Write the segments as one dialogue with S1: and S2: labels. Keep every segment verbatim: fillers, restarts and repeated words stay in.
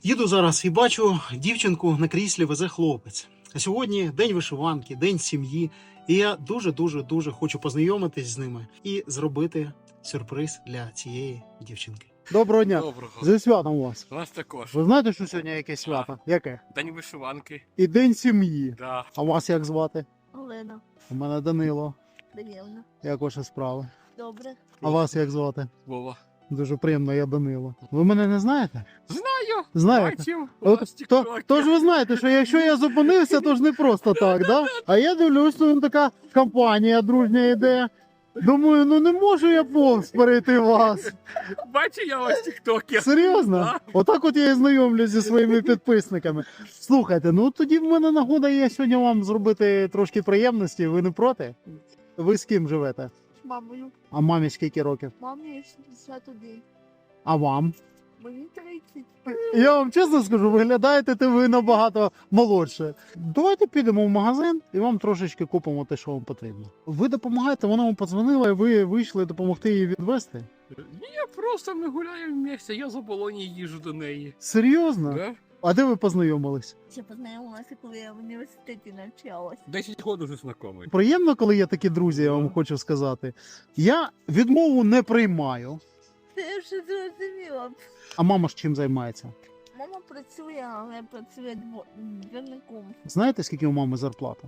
S1: Їду зараз і бачу, дівчинку на кріслі везе хлопець. А сьогодні день вишиванки, день сім'ї. І я дуже-дуже-дуже хочу познайомитись з ними і зробити сюрприз для цієї дівчинки. Доброго дня!
S2: Доброго.
S1: Зі святом вас!
S2: У нас також.
S1: Ви знаєте, що сьогодні яке свято? Яке?
S2: День вишиванки.
S1: І день сім'ї.
S2: Да.
S1: А вас як звати?
S3: Олена,
S1: У мене Данило.
S3: Даніловна.
S1: Як ваші справи?
S3: Добре.
S1: А вас як звати?
S2: Вова.
S1: Дуже приємно, я Данило. Ви мене не знаєте?
S2: Знаю.
S1: Знаєте?
S2: Бачив. У
S1: От,
S2: нас
S1: то,
S2: тіктоки.
S1: то ж ви знаєте, що якщо я зупинився, то ж не просто так, да? А я дивлюсь, що там така компанія дружня йде. Думаю, ну не можу я повз перейти вас.
S2: Бачив я вас тіктоки.
S1: Серйозно?
S2: Да.
S1: Отак от я і знайомлюсь зі своїми підписниками. Слухайте, ну тоді в мене нагода є сьогодні вам зробити трошки приємності. Ви не проти? Ви з ким живете?
S3: З мамою.
S1: А мамі скільки років?
S3: Мамі шістдесят один.
S1: А вам?
S3: Мені тридцять.
S1: Я вам чесно скажу, виглядаєте ти ви набагато молодше. Давайте підемо в магазин і вам трошечки купимо те, що вам потрібно. Ви допомагаєте, вона вам подзвонила, і ви вийшли допомогти їй відвести?
S2: Я просто ми гуляємо в місті, я з оболоні їжу до неї.
S1: Серйозно?
S2: Да?
S1: А де ви познайомились?
S3: Ще познайомилася, коли я в університеті навчалась.
S2: Десять років вже знайомий.
S1: Приємно, коли є такі друзі, я вам хочу сказати. Я відмову не приймаю.
S3: Це я вже зрозуміла.
S1: А мама ж чим займається?
S3: Мама працює, але працює дво- двірником.
S1: Знаєте, скільки у мами зарплата?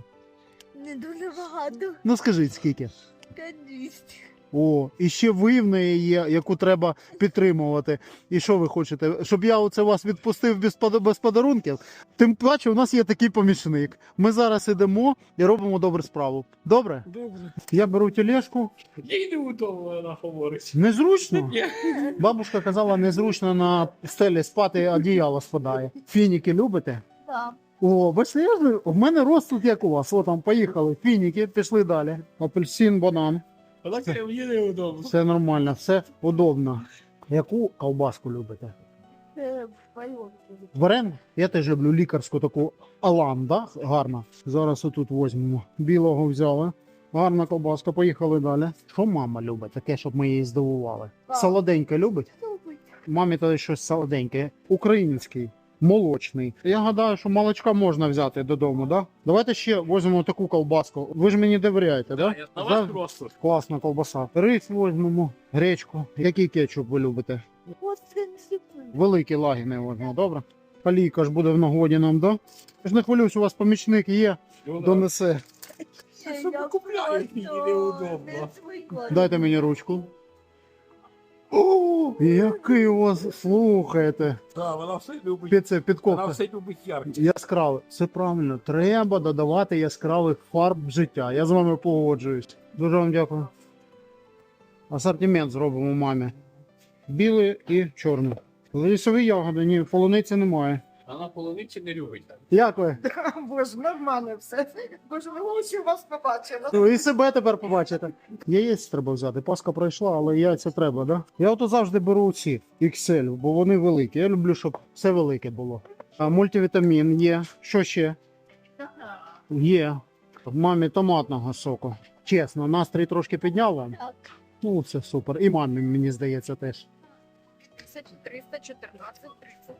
S3: Не дуже багато.
S1: Ну скажіть, скільки?
S3: п'ять двісті.
S1: О, і ще ви в неї є, яку треба підтримувати. І що ви хочете? Щоб я оце вас відпустив без, пода- без подарунків? Тим паче, у нас є такий помічник. Ми зараз ідемо і робимо добру справу. Добре?
S2: Добре.
S1: Я беру тележку.
S2: Їй не удобно, вона говорить.
S1: Незручно?
S2: Ні.
S1: Бабушка казала, незручно на стелі спати, одіяло спадає. Фініки любите?
S3: Так.
S1: О, бачите, я ж, в мене рост тут як у вас. О, там поїхали. Фініки, пішли далі. Апельсин, банан.
S2: Вона каже, мені не удобно.
S1: Все нормально, все удобно. Яку ковбаску любите?
S3: Це байон.
S1: Варен? Я теж люблю лікарську таку Алан, да? Гарна. Зараз отут візьмемо. Білого взяли. Гарна ковбаска, поїхали далі. Що мама любить? Таке, щоб ми її здивували.
S3: Так.
S1: Солоденьке любить?
S3: Любить.
S1: Мамі то щось солоденьке. Український. Молочний. Я гадаю, що молочка можна взяти додому, да? Давайте ще візьмемо таку ковбаску. Ви ж мені довіряєте, да?
S2: Да, я на
S1: За-
S2: вас просто.
S1: Класна ковбаса. Рис візьмемо, гречку. Який кетчуп ви любите?
S3: Ось це не сипи.
S1: Великі лагіни візьмемо, добре? Калійка ж буде в нагоді нам, да? Я ж не хвилююсь, у вас помічник є, донесе.
S2: А що ви купляєте? Їй неудобно.
S1: Дайте мені ручку. О, який у вас, слухайте.
S2: Да, вона все любить.
S1: Під це,
S2: Вона
S1: підковка.
S2: все любить ярке.
S1: Яскраве. Все правильно. Треба додавати яскравих фарб в життя. Я з вами погоджуюсь. Дуже вам дякую. Асортимент зробимо мамі. Білий і чорний. Лісові ягоди, ні, полуниці немає.
S2: Вона полуниці не любить.
S1: Як ви?
S4: Боже, нормально все. Боже, ми очі вас побачили.
S1: Ну, і себе тепер побачите. Яєць треба взяти. Паска пройшла, але яйця треба, да? Я ото завжди беру ці ікс ель, бо вони великі. Я люблю, щоб все велике було. А мультивітамін є. Що ще? Є. Мамі томатного соку. Чесно, настрій трошки підняв вам.
S3: Так.
S1: Ну, це супер. І мамі, мені здається, теж.
S4: триста чотирнадцять тридцять.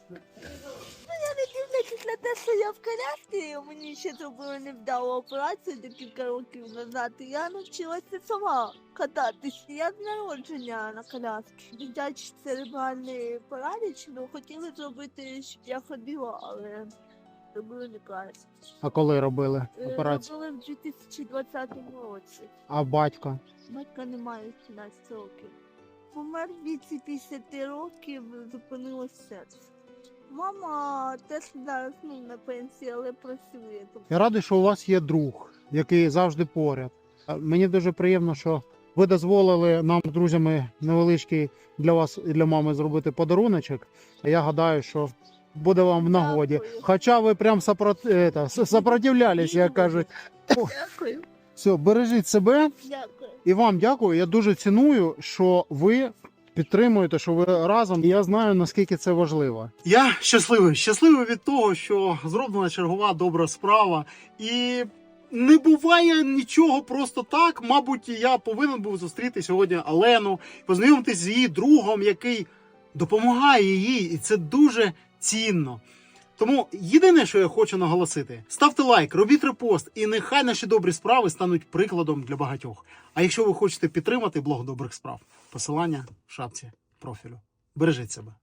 S3: Не дивлячись на те, що я в коляскі, мені ще зробили невдалу операцію декілька років назад, і я навчилася сама кататись. Я з народження на коляскі. Дитячий церебральний параліч, ну хотіли зробити, щоб я ходила, але зробили неправильно.
S1: А коли робили
S3: Е,
S1: операцію?
S3: Зробили в дві тисячі двадцятому році.
S1: А батька?
S3: Батька немає сімнадцять років. Помер в віці п'ятдесят років, зупинилось серце. Мама теж зараз ну, на пенсії, але працює. Тобто,
S1: Я радий, що у вас є друг, який завжди поряд. А Мені дуже приємно, що ви дозволили нам з друзями невеличкий для вас і для мами зробити подаруночок. Я гадаю, що буде вам в нагоді.
S3: Дякую.
S1: Хоча ви прям сопрот... это, с- сопротивлялись, як кажуть.
S3: Дякую.
S1: Все, бережіть себе
S3: Дякую.
S1: і вам дякую. Я дуже ціную, що ви підтримуєте, що ви разом. І я знаю, наскільки це важливо. Я щасливий, щасливий від того, що зроблена чергова добра справа. І не буває нічого просто так. Мабуть, я повинен був зустріти сьогодні Олену, познайомитись з її другом, який допомагає їй. І це дуже цінно. Тому єдине, що я хочу наголосити, ставте лайк, робіть репост, і нехай наші добрі справи стануть прикладом для багатьох. А якщо ви хочете підтримати блог добрих справ, посилання в шапці профілю. Бережіть себе.